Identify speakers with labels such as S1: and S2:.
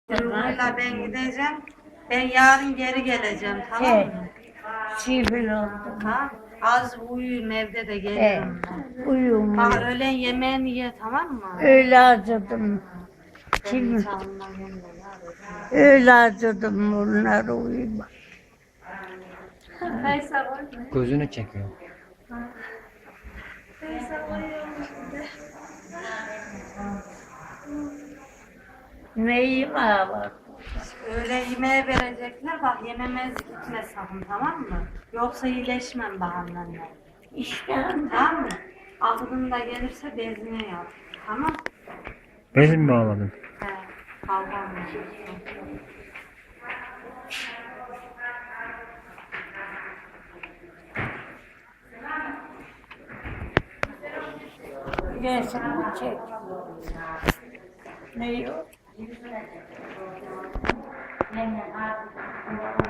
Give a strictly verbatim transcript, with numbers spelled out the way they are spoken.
S1: Duyguyla ben gideceğim. Ben yarın geri geleceğim, tamam
S2: He.
S1: mı?
S2: Sivil oldum.
S1: Ha? Az uyuyun, evde de
S2: He.
S1: gelirim ben.
S2: Uyum
S1: Bak
S2: uyum.
S1: öğlen yemeğini ye, tamam mı?
S2: Öyle acıdım.
S1: Ben
S2: Kim?
S1: hiç anlamıyorum da ya.
S2: Öyle acıdım bunları uyuma.
S1: Faysal oynuyor.
S3: Gözünü çekiyor.
S1: Faysal oynuyor.
S2: Neyim var?
S1: Öyle yemeğe verecekler, bak yememez gitme sakın, tamam mı? Yoksa iyileşmem bak annenle.
S2: İşte
S1: Tamam mı? Aklında gelirse bezine yap. Tamam.
S3: Bezin mi bağladın?
S1: He. Kalkan mı?
S2: resmi çek. Ne yok?